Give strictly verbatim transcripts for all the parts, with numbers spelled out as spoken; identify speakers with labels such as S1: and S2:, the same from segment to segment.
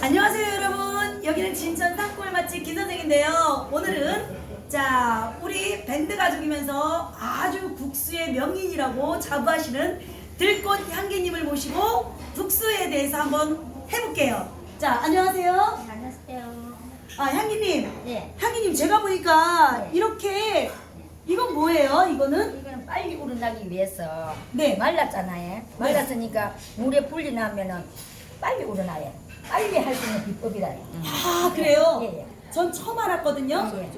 S1: 안녕하세요 여러분, 여기는 진천 산골 맛집 김선생인데요. 오늘은 자 우리 밴드 가족이면서 아주 국수의 명인이라고 자부하시는 들꽃 향기님을 모시고 국수에 대해서 한번 해볼게요. 자 안녕하세요.
S2: 안녕하세요.
S1: 아 향기님,
S2: 네.
S1: 향기님 제가 보니까
S2: 네.
S1: 이렇게 이건 뭐예요? 이거는
S2: 이거는 빨리 우러나기 위해서
S1: 네.
S2: 말랐잖아요. 말랐으니까 물에 불리 나면은 빨리 우러나요. 빨리 할 수 있는 비법이다.
S1: 아 그래요?
S2: 예, 예.
S1: 전 처음 알았거든요.
S2: 예.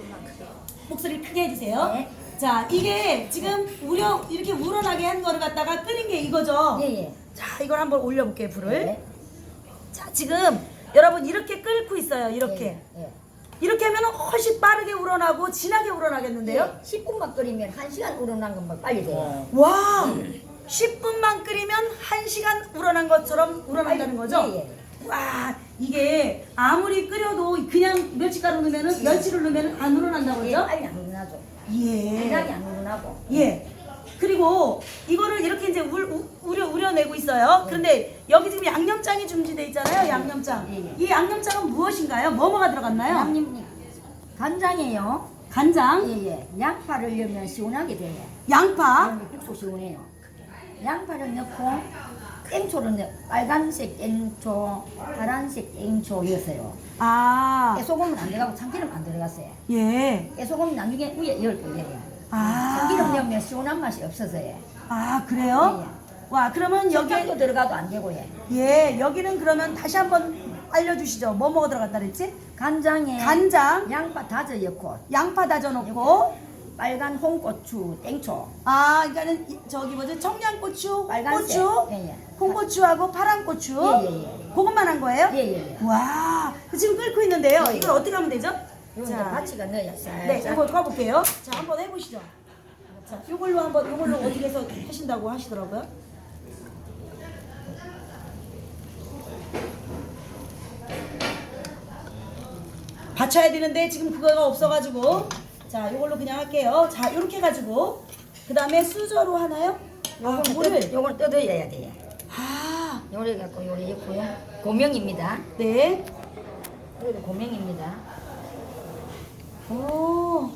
S1: 목소리 크게 해주세요.
S2: 네.
S1: 자, 이게 지금 우려 이렇게 우러나게 한 거를 갖다가 끓인 게 이거죠.
S2: 예, 예.
S1: 자, 이걸 한번 올려볼게요, 불을.
S2: 네.
S1: 자, 지금 여러분 이렇게 끓고 있어요. 이렇게.
S2: 예, 예.
S1: 이렇게 하면 훨씬 빠르게 우러나고 진하게 우러나겠는데요?
S2: 예. 십 분만 끓이면 한 시간 우러난 것만 빨리 돼요.
S1: 와, 십 분만 끓이면 한 시간 우러난 것처럼 우러난다는 거죠?
S2: 예, 예.
S1: 와, 이게 아무리 끓여도 그냥 멸치가루 넣으면은 멸치를 넣으면 안 우러난다고
S2: 예,
S1: 그러죠?
S2: 빨리 안 우러나죠.
S1: 예.
S2: 진하게 안 우러나고.
S1: 예. 그리고 이거를 이렇게 이제 울, 우, 우려, 우려내고 있어요. 그런데 여기 지금 양념장이 준비되어 있잖아요. 양념장.
S2: 예, 예.
S1: 이 양념장은 무엇인가요? 뭐뭐가 들어갔나요?
S2: 양념 간장이에요.
S1: 간장,
S2: 예, 예. 양파를 넣으면 시원하게 돼요.
S1: 양파,
S2: 그러면 국수 시원해요. 양파를 넣고 땡초를 넣어. 빨간색 땡초, 파란색 땡초였어요.
S1: 아,
S2: 깨소금은 안 들어가고 참기름 안 들어갔어요.
S1: 예.
S2: 깨소금은 나중에 위에 열 거예요.
S1: 아,
S2: 참기름 넣으면 시원한 맛이 없어서요.
S1: 아, 그래요? 와, 그러면 여기,
S2: 여기도 들어가도 안 되고요.
S1: 예, 여기는 그러면 다시 한번 알려주시죠. 뭐뭐가 들어갔다 그랬지?
S2: 간장에
S1: 간장,
S2: 양파 다져 넣고
S1: 양파 다져놓고,
S2: 빨간 홍고추 땡초,
S1: 아, 그러니까는 이- 저기 뭐지? 청양고추,
S2: 빨간색.
S1: 고추,
S2: 예, 예.
S1: 홍고추하고 파란 고추.
S2: 예, 예, 예.
S1: 그것만 한 거예요?
S2: 예, 예, 예.
S1: 와, 지금 끓고 있는데요.
S2: 예, 예.
S1: 이걸 어떻게 하면 되죠?
S2: 이거 이제
S1: 자,
S2: 파치가 넣어야 살짝.
S1: 네, 이거 가볼게요. 자, 한번 해보시죠. 자, 이걸로 한번 이걸로 어떻게 해서 하신다고 하시더라고요. 받쳐야 되는데 지금 그거가 없어가지고 자, 이걸로 그냥 할게요. 자, 이렇게 해가지고 그 다음에 수저로 하나요? 아, 물을.
S2: 요걸 뜯어야 돼요.
S1: 아,
S2: 요래 갖고 요래 있고요. 고명입니다.
S1: 네.
S2: 여기도 고명입니다.
S1: 오.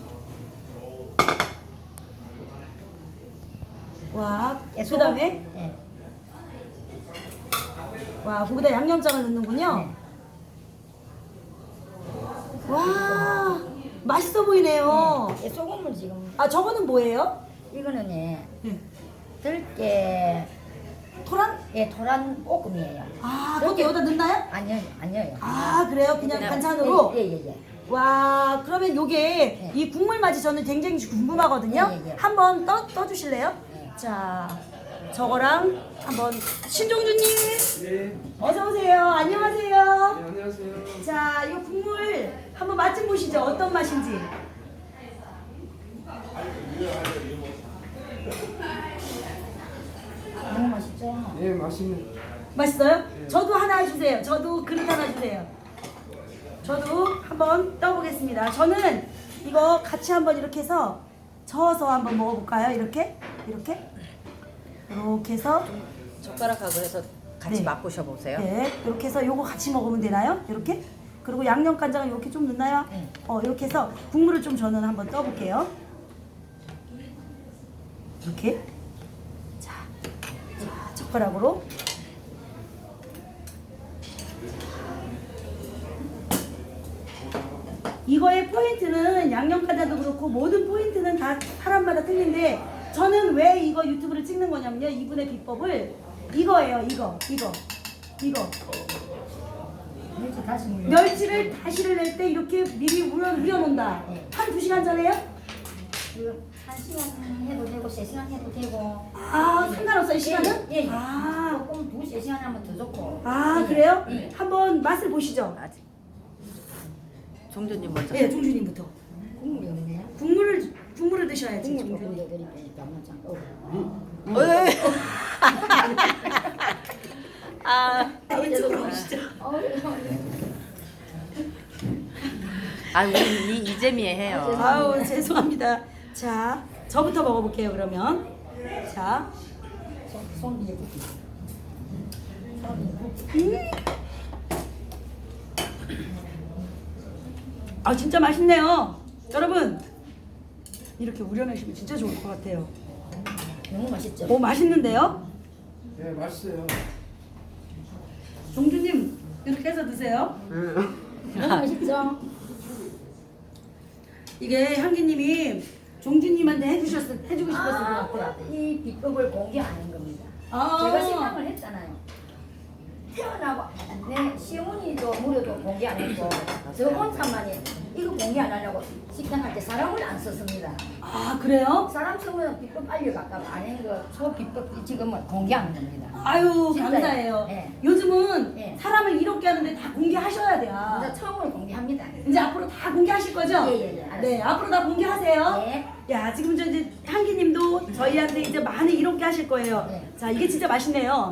S1: 와,
S2: 예,
S1: 그 다음에
S2: 예.
S1: 와, 거기다 양념장을 넣는군요.
S2: 네.
S1: 와, 맛있어 보이네요.
S2: 예, 소금을 지금
S1: 아, 저거는 뭐예요?
S2: 이거는 예,
S1: 네.
S2: 들깨
S1: 토란?
S2: 예, 토란 볶음이에요.
S1: 아, 그것도 여기다 넣나요?
S2: 아니요, 아니요.
S1: 아, 그래요? 그냥 반찬으로?
S2: 예, 예, 예.
S1: 와, 그러면 요게
S2: 네.
S1: 이 국물 맛이 저는 굉장히 궁금하거든요.
S2: 예, 예, 예.
S1: 한번 떠, 떠주실래요?
S2: 네.
S1: 자, 저거랑 한번 신종주님
S3: 네,
S1: 어서 오세요. 안녕하세요.
S3: 네, 안녕하세요.
S1: 자, 이 국물 한번 맛 좀 보시죠. 어떤 맛인지.
S2: 너무 맛있죠?
S3: 네, 맛있는.
S1: 맛있어요? 저도 하나 주세요. 저도 그릇 하나 주세요. 저도 한번 떠보겠습니다. 저는 이거 같이 한번 이렇게 해서 저어서 한번 먹어볼까요? 이렇게? 이렇게? 이렇게 해서
S4: 젓가락하고 해서 같이
S1: 네.
S4: 맛보셔 보세요.
S1: 네, 이렇게 해서 요거 같이 먹으면 되나요? 이렇게? 그리고 양념 간장을 이렇게 좀 넣나요?
S2: 네.
S1: 어, 이렇게 해서 국물을 좀 저는 한번 떠볼게요. 이렇게. 자, 자, 젓가락으로. 이거의 포인트는 양념 간장도 그렇고 모든 포인트는 다 사람마다 틀린데 저는 왜 이거 유튜브를 찍는 거냐면요. 이분의 비법을 이거예요. 이거, 이거, 이거.
S2: 멸치 다시 물려.
S1: 멸치를 다시를 낼 때 이렇게 미리 우려, 우려놓는다.
S2: 네.
S1: 한 두 시간 전에요?
S2: 한 시간 해도 되고 세 시간 해도 되고.
S1: 아, 상관없어요, 시간은?
S2: 예, 예.
S1: 아,
S2: 조금 두세 시간 하면 더 좋고.
S1: 아
S2: 예,
S1: 그래요?
S2: 예.
S1: 한번 맛을 보시죠.
S4: 아직. 종주님 먼저.
S1: 예, 종주님부터.
S2: 국물이 없네요.
S1: 국물을, 국물을 드셔야지,
S2: 국물 조금
S1: 종주님.
S2: 더 드릴게요. 잠깐 어.
S4: 어이. 아,
S1: 아, 이쪽으로 오시죠.
S4: 아 우리 이 이재미에 해요.
S1: 아우, 죄송합니다. 자, 저부터 먹어볼게요, 그러면. 자,
S2: 손 위에 붓기.
S1: 음, 아 진짜 맛있네요. 여러분 이렇게 우려내시면 진짜 좋을 것 같아요.
S2: 너무 맛있죠?
S1: 오 맛있는데요?
S3: 네, 맛있어요.
S1: 종주님 이렇게 해서 드세요.
S2: 너무 맛있죠?
S1: 이게 향기님이 종주님한테 해주셨 해주고 싶었을 것
S2: 아,
S1: 같아요.
S2: 이 비법을 공개하는 겁니다.
S1: 아.
S2: 제가 생각을 했잖아요. 태어나고 내 시어머니도 무료도 공개 안 했고 저 혼자만이 이거 공개 안 하려고 식당 할 때 사람을 안 썼습니다.
S1: 아 그래요?
S2: 사람 쓰면 비법 알려갈까 안 한거 저 비법 지금은 공개하는 겁니다.
S1: 아유
S2: 진짜요.
S1: 감사해요.
S2: 네.
S1: 요즘은
S2: 네.
S1: 사람을 이롭게 하는데 다 공개하셔야 돼요.
S2: 이제 처음으로 공개합니다.
S1: 이제 앞으로 다 공개하실 거죠?
S2: 예, 예, 예, 알았어요.
S1: 네, 앞으로 다 공개하세요.
S2: 네.
S1: 야, 지금 저 이제 향기님도 저희한테 이제 많이 이롭게 하실 거예요.
S2: 네.
S1: 자, 이게 진짜 맛있네요.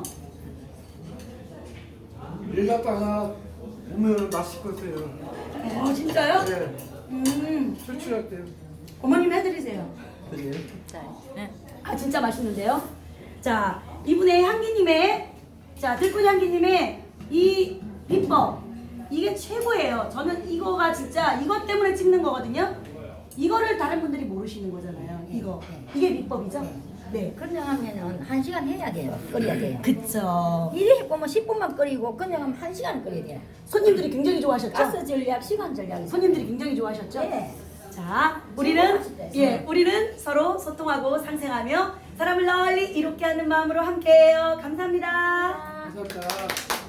S3: 일 갔다가 오면 맛있을 것 같아요.
S1: 어, 진짜요?
S3: 네,
S1: 음,
S3: 출출할 때.
S1: 어머님 해드리세요.
S3: 네.
S4: 네.
S1: 아, 진짜 맛있는데요? 자, 이분의 향기님의, 자, 들꽃 향기님의 이 비법. 이게 최고예요. 저는 이거가 진짜 이것 때문에 찍는 거거든요. 이거를 다른 분들이 모르시는 거잖아요. 이거. 이게 비법이죠? 네.
S2: 그냥 하면은 한 시간 해야 돼요. 끓여야 돼요.
S1: 그쵸.
S2: 이래 해보면 십 분만 끓이고 그냥 하면 한 시간 끓여야 돼요.
S1: 손님들이 굉장히 좋아하셨죠?
S2: 가스 전략, 시간 전략이
S1: 손님들이 굉장히 좋아하셨죠?
S2: 네.
S1: 자, 우리는
S2: 맛있다,
S1: 예,
S2: 진짜.
S1: 우리는 서로 소통하고 상생하며 사람을 널리 이롭게 하는 마음으로 함께해요. 감사합니다.
S3: 감사합니다.